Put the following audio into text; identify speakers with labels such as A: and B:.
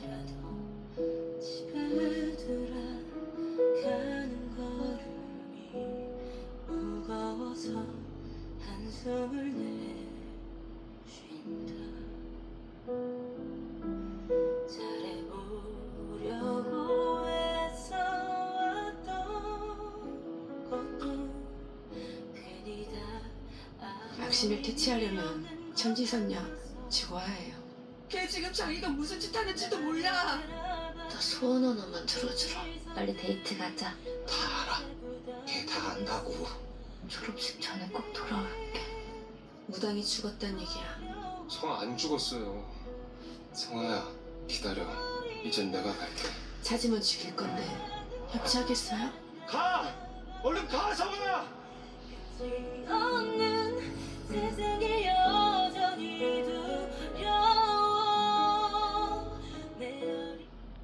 A: 집에 돌아가는 걸음이 무거워서 한숨을 내쉰다. 잘해보려고 애써 왔던 것도 괜히 다
B: 악신을 퇴치하려면 천지선녀 죽어야 해요. 걔 지금 자기가 무슨 짓 하는지도 몰라.
A: 너 소원 하나만 들어주라. 빨리 데이트 가자.
C: 다 알아. 걔 다 안다고.
A: 졸업식 전에 꼭 돌아올게.
B: 무당이 죽었단 얘기야.
C: 성아 안 죽었어요. 성아야 기다려. 이젠 내가 갈게.
B: 찾으면 죽일 건데 협치하겠어요?
C: 가! 얼른 가 성아야!
A: 없는 세상에